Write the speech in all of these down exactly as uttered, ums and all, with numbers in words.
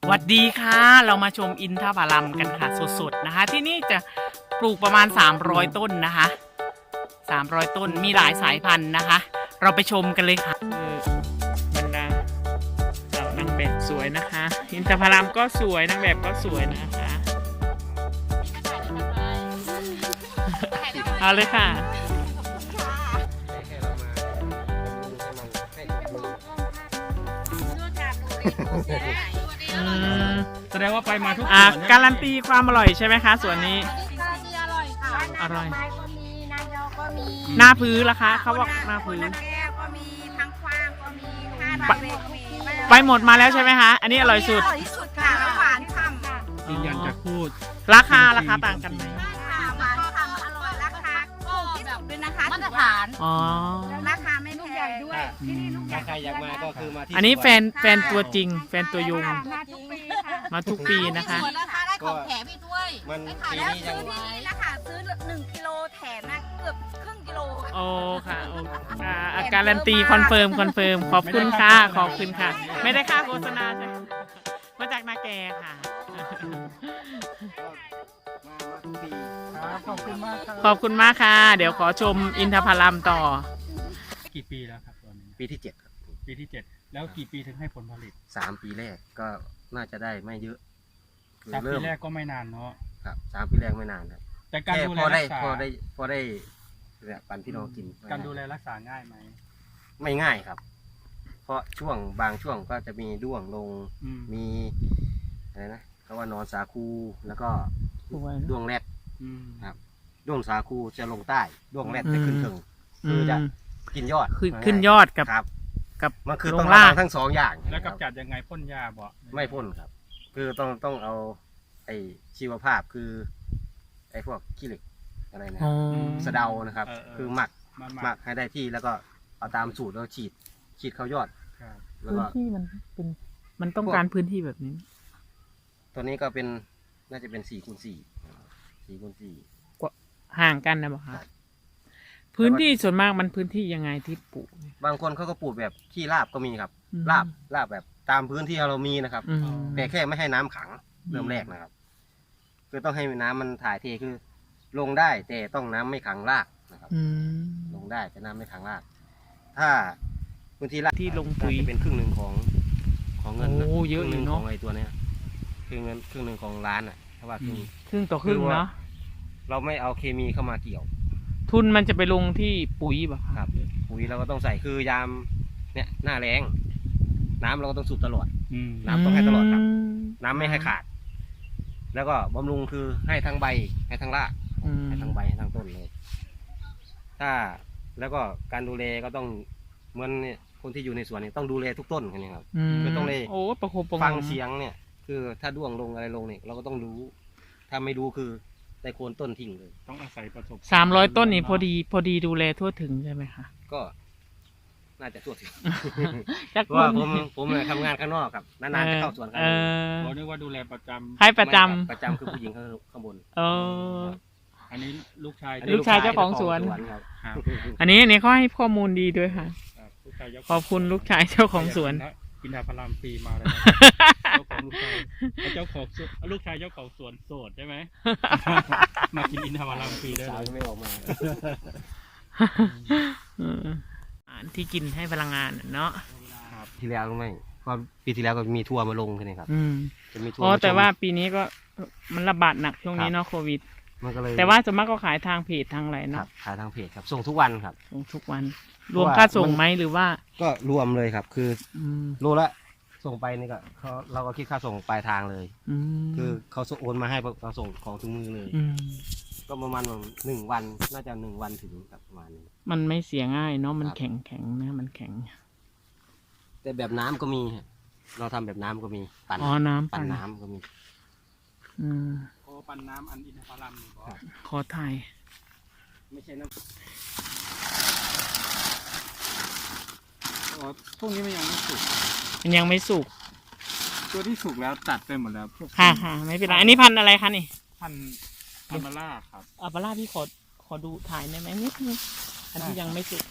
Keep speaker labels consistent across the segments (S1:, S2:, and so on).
S1: วัสดีค่ะเรามาชมอินทผลัมกันค่ะสดๆนะคะที่นี่จะปลูกประมาณสามร้อยต้นนะคะสามร้อยต้นมีหลายสายพันธุ์นะคะ เราไปชมกันเลยค่ะบรรดาเหล่านางแบบสวยนะคะอินทผลัมก็สวยนางแบบก็สวยนะคะเอาเลยค่ะ
S2: แสดงว่าไปมาทุกส
S1: อ่า
S2: วน
S1: การันตีความอร่อยใช่ไหมคะสวนนี้
S3: การันตีอร่อยค่ะ
S1: อร่อย
S3: ไม้ก็มีนายอก็มี
S1: หน้าพื้นล่ะคะเขาบอกหน้าพื้น
S3: แก้วก็มีทั้งกว้างก็มีห้า
S1: ไป
S3: ใบก็มี
S1: ไปหมดมาแล้วใช่ไหมคะอันนี้อร่อยสุด
S3: อร่อยที่สุดค่ะแล้วหวานฉ่ำค่ะ
S2: ยืนยันจะพูด
S1: ราคาราคาต่างกันไหม
S3: ค่ะหวานฉ่ำอร่อยราคาถูกที่สุดด้วยนะคะมาตรฐาน
S1: อ๋อ
S3: ราคาไม่แพงด้วย
S2: อืม
S4: ถ้าใครอยากมาก็คือมาที่
S1: อันนี้แฟนแฟนตัวจริง แฟนตัวยง
S3: มาทุกปีค่ะ
S1: มาทุกปีนะคะ
S3: นะคะได้ของแถมอีกด้วย
S4: มัน
S3: ได้ค่ะ
S4: ปี
S3: แล้ว
S4: นี้
S3: ซื้
S4: ยั
S3: อง ที่นี่นะคะซื้อหนึ่งกิโลแถมนะเกือบครึ่งกิโลค่ะ
S1: โอ้ค่ะโอ้อ่าอ่าการันตีคอนเฟิร์มคอนเฟิร์มขอบคุณค่ะขอบคุณค่ะ ไม่ได้ค่าโฆษณาใช่ไหมมาจากนาแกค่ะ
S4: มามาทุกปี
S2: ครับขอบคุณมากครับ
S1: ขอบคุณมากค่ะ เดี๋ยวขอชมอินทผลัมต่อ
S2: กี่ปีแล้วครับตอนนี้
S4: ปีที่เจ็ดครับ
S2: ปีที่เจ็ดแล้วกี่ปีถึงให้ผลผลิต
S4: สามปีแรกก็น่าจะได้ไม่เยอะคือ
S2: สามปี
S4: เริ่ม
S2: แรกก็ไม่นานเนาะ
S4: ครับสามปีแรกไม่นานครับ
S2: แต่การ
S4: แค่
S2: ดูแล
S4: พอ
S2: รั
S4: ได้
S2: กษา
S4: พอได้พอได้เนี่ยปันพี่น้องกิน
S2: การดูแลรักษาง่ายไหม
S4: ไม่ง่ายครับ เพราะช่วงบางช่วงก็จะมีด้วงลง
S2: อืม
S4: มีอะไรนะเขาว่านอนสาคูแล้วก็
S1: สวย
S4: ด้วงแรด
S2: อืม
S4: ครับ ด้วงสาคูจะลงใต้ด้วงแรดจะขึ้นถึง
S1: อื
S4: คือ
S1: ม
S4: จะกินยอด
S1: ขึ้นขึ้นยอดกับ
S4: ครับ
S1: กับ
S4: มันคือ
S1: ล
S4: ต้อง
S1: ง
S4: ระ
S1: ล่า
S4: วั
S1: ง
S4: งทั้งสองอย่าง
S2: แล้ว
S4: ครับ
S2: กำจัดยังไงพ่นยาบ่
S4: ไม่พ่นครับ คือต้องต้องเอาไอ้ชีวภาพคือไอ้พวกขี้เหล็กอะไรนะ
S1: อ๋อ
S4: สะเดานะครับ คือหมัก
S2: มัน
S4: หมักให้ได้ที่แล้วก็เอาตามสูตรแล้วฉีดฉีดเข้ายอด
S2: ครับ
S4: แล้ว
S1: พื้น
S4: ก็
S1: ที่มันเป็นมันต้องการพื้นที่แบบนี้
S4: ตัวนี้ก็เป็นน่าจะเป็นสี่คูณสี่สี่คูณสี่
S1: ห่างกันนะบอกคะ
S4: ครับ
S1: พื้นที่ส่วนมากมันพื้นที่ยังไงที่ปลูกเนี่ย
S4: บางคนเขาก็ปลูกแบบขี้ราบก็มีครับ
S1: อืม
S4: ราบราบแบบตามพื้นที่เรามีนะครับ
S1: อืม
S4: แต่แค่ไม่ให้น้ำขังเริ่มแรกนะครับ คือต้องให้น้ำมันถ่ายเทคือ ลงได้แต่ต้องน้ำไม่ขังรากนะครับ
S1: อืม
S4: ลงได้แต่น้ำไม่ขังราก ถ้าพื้นที่ราก
S1: ที่ลงปุ๋ย
S4: น่าจะเป็นครึ่งหนึ่งของของเงินนะ
S1: โอ้เยอะ
S4: ครึ่งห
S1: อยู่
S4: นึ่ง
S1: เนอะ
S4: ของไอ้ตัวเนี้ยครึ่งเงินครึ่งหนึ่งของร้านอ่ะเพราะว่าครึ่ง
S1: ครึ่งต่อครึ่ง
S4: คือว่า
S1: เนาะ
S4: เราไม่เอาเคมีเข้ามาเกี่ยว
S1: ทุนมันจะไปลงที่ปุ๋ยป่ะ
S4: ค
S1: คะ
S4: รับปุ๋ยเราก็ต้องใส่คือยามเนี่ยหน้าแรงน้ำเราก็ต้องสูบตลอด
S2: อืม
S4: น้ำต้องให้ตลอดครับ
S1: ม
S4: น้ำไม่ให้ขาด แล้วก็บำรุงคือให้ทั้งใบให้ทั้งราก
S1: อืม
S4: ให้ทั้งใบให้ทั้งต้นเลย ถ้าแล้วก็การดูแลก็ต้องเหมือนเนี่ยคนที่อยู่ในสวนนี่ต้องดูแลทุกต้นกันนี่ครับ
S1: อืม
S4: คือต้องเลย
S1: โอ้ประคบประหงม
S4: ฟังเสียงเนี่ย คือถ้าด้วงลงอะไรลงเนี่ยเราก็ต้องรู้ ถ้าไม่รู้คือได้โคนต้นทิ้งเลย
S2: ต้องอาศัยประสบ
S1: สามร้อยต้นนี่พอดีพอดีดูแลทั่วถึงใช่ไหมคะ
S4: ก็น่าจะทั่วถึง
S1: จัก
S4: เพราะว่าผมผมเนี่ยทำงานข้างนอกครับนานๆจะเข้าสวนกัน
S1: เออ
S2: เราเรียกว่าดูแลประจำ
S1: ให้ประจ
S4: ไม่คบประจำคือผู้หญิงข้างบน
S1: ำเออ
S2: อันนี้ลูกชาย
S1: ลูกชายเจ้าของสวน
S4: ครับ
S2: ครับ
S1: อันนี้อันนี้เขาให้ข้อมูลดีด้วยค่ะ
S2: ครับลูกชายเจ้า
S1: ขอบคุณลูกชายเจ้าของสวน
S2: กินดาพารามฟรีมาเลยนะเจ้าของลูกชายเจ้าของสวนลูกชายเจ้าของสวนโสดใช่ไหม มากินอินทผลัมฟรีได้
S4: สาว
S2: เลย
S4: ยังไม่ออกมา
S1: เอออาหารที่กินให้พลังงานน่ะเนาะ
S2: ครับ
S4: ทีแล้วรู้ไหมเพราะปีที่แล้วก็มีทัวร์มาลงใช่ไหมครับ
S1: อืม
S4: จะมีทัวร์
S1: อ๋อ
S4: มาชม
S1: แต่ว่าปีนี้ก็มันระบาดหนักช่วงนี้เนาะโควิด
S4: มันก็เลย
S1: แต่ว่าส่วนมากก็ขายทางเพจทางอะไร
S4: ครั
S1: เนาะ
S4: บขายทางเพจครับ ส่งทุกวันครับ
S1: ส่งทุกวัน
S4: เพ
S1: ร
S4: ราะ
S1: วม
S4: ว่า
S1: ค่าส่ง
S4: มัน
S1: ไหมหรือว่า
S4: ก็รวมเลยครับ คือ
S1: อืม
S4: โลละส่งไปนี่ก็เขาเราก็คิดค่าส่งปลายทางเลย
S1: อืม
S4: คือเขาโอนมาให้เราส่งของถึงมือเลย
S1: อืม
S4: ก็ประมาณหนึ่งวันน่าจะหนึ่งวันถึงครับประมาณนี้
S1: มันไม่เสียง่ายเนาะมัน
S4: ครับ
S1: แข็งแข็งนะมันแข็ง
S4: แต่แบบน้ำก็มีฮะเราทำแบบน้ำก็มีปั่น
S1: อ๋อน้ำ
S4: ปั่
S1: ปั่
S4: น
S1: น
S4: น้ำก็มี
S1: อืม
S2: โอ้ปันน้ำอันอินทผลัมนี่บอก
S1: ขอถ่าย
S4: ไม่ใช่น้ำ
S2: อ๋อพวกนี้มันยังไม่สุก
S1: มันยังไม่สุก
S2: ตัวที่สุกแล้วตัดไปหมดแล้วพวก
S1: ค่ะค่ะไม่เป็นไรอันนี้พันธุ์อะไรคะนี่
S2: พันพันมาล่าครับ
S1: อัปลาพี่ขอขอดูถ่ายได้ไหมนิดนึงอันที่ยังไม่สุก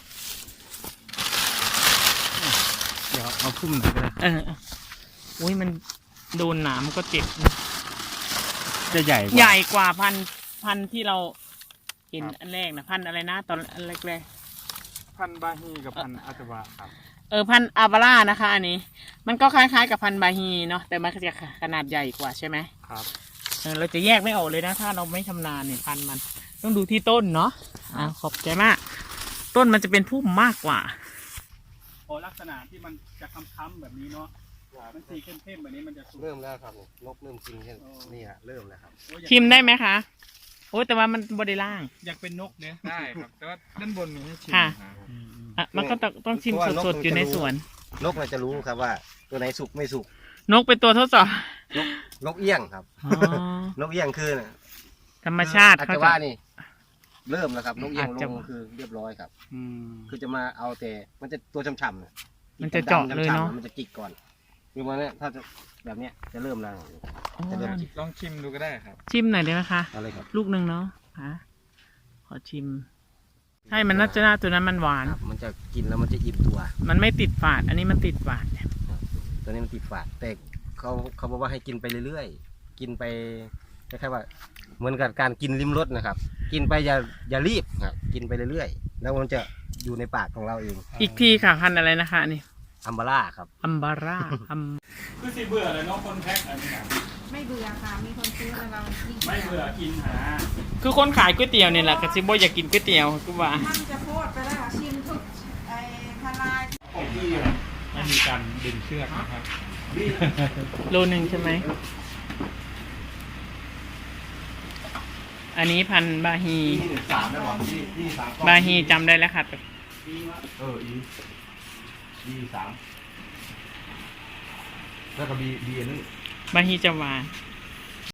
S2: เดี๋ยวเอาพุ่มไปก็ได้
S1: เออเอออุ้ยมันโดนหนามก็เจ็บ
S2: จะใหญ่
S1: ใหญ่กว่าพันธุ์พันธุ์ที่เราเห็นอันแรกนะพันธุ์อะไรนะตอนอันแรก
S2: พันบาฮีกับพันอัตวะครับ
S1: ๆเออพันธุ์อาบาร่านะคะ อันนี้ มันก็คล้ายๆกับพันธุ์บาฮีเนาะแต่มันก็จะขนาดใหญ่กว่าใช่ไหม
S2: ครับ
S1: เออเราจะแยกไม่ออกเลยนะถ้าเราไม่ชำนาญเนี่ยพันธุ์มัน ต้องดูที่ต้นเนาะอ่าขอบใจมาก ต้นมันจะเป็นพุ่มมากกว่า
S2: พอลักษณะที่มันจะค้ำๆแบบนี้เนาะมันสีเข้มๆแบบนี้มันจะสุก
S4: เริ่มแล้วครับนกเริ่มกินแค่นี่ฮะเริ่มแล้วครับ
S2: โอ้ยอยาก
S1: ชิมได้ไหมคะโอ้แต่ว่ามันบไดล่าง
S2: อยากเป็นนกเนี่ย
S5: ได้ครับ แต่ว่าด้านบนมีให้ชิม
S1: ค่ะ
S5: นะ
S2: อืม
S1: อ่ะมันก็ต้องต้องชิมสดๆอยู่ในสวน
S4: นกมันจะรู้ครับว่าตัวไหนสุกไม่สุก
S1: นกเป็นตัวทดสอบ
S4: นกเอี้ยงครับ
S1: อ๋อ
S4: นกเอี้ยงคือ
S1: ธรรมชาติ
S4: อาจ
S1: เขา
S4: จะ
S1: จะ
S4: ว่านี่ เริ่มแล้วครับ นกเอี้ยง
S1: อาจ
S4: ล
S1: จะ
S4: งคือเรียบร้อยครับ
S2: อืม
S4: คือจะมาเอาแต่มันจะตัวช่ำๆนะ
S1: มันจะเจาะเลยเนาะ
S4: ดำๆมันจะจิกก่อนคือมันเนี่ยถ้าจะแบบเนี้ยจะเริ่มแล้ว
S1: อ๋อ
S4: จะเริ่ม
S5: ลองชิมดูก็ได้ครับ
S1: ชิมหน่อยได้ไหมคะ
S4: เอะไรครับ
S1: ลูกหนึ่งเนาะค่ะขอชิม ใช่ มันน่าจะน่าตัวนั้นมันหวาน
S4: ครับมันจะกินแล้วมันจะอิ่มตัว
S1: มันไม่ติดฝาด อันนี้มันติดฝาด
S4: ตัวนี้มันติดฝาดแต่เขาเขาบอกว่าให้กินไปเรื่อยๆ กินไปคล้ายๆว่า เหมือนกับการกินลิ้มรสนะครับ กินไปอย่าอย่ารีบครับ กินไปเรื่อยๆ แล้วมันจะอยู่ในปากของเราเอง
S1: อีกทีค่ะพันธุ์อะไรนะคะอันนี่
S4: อัมบาร่าครับ
S1: อัมบาร่าอัม
S2: คือสิเบื่อเลยเนาะคนแพ็คอันนี้นะ
S3: ไม่เบื่อค่ะ มีคนซื้อแล้วเรายิ่ง
S2: ไม่เบื่อกินหา
S1: คือคนขายก๋วยเตี๋ยวเนี่ยแหละกระซิบอยากกินก๋วยเตี๋ยวคือว่า
S3: มันจะโพดไปแล้วค่ะชิมทุกไอ้ทลาย
S2: ของที่ไม่มีการดึงเชือกนะครับ
S1: โลหนึ่งใช่ไหม อันนี้พันธุ์บาฮี
S4: สามได้หรอที่ที่สาม
S1: บาฮีจำได้แล้วค่ะ
S4: เอออีดีสามแล้วก็บีบีนึง
S1: บาฮีจะหวาน
S4: บ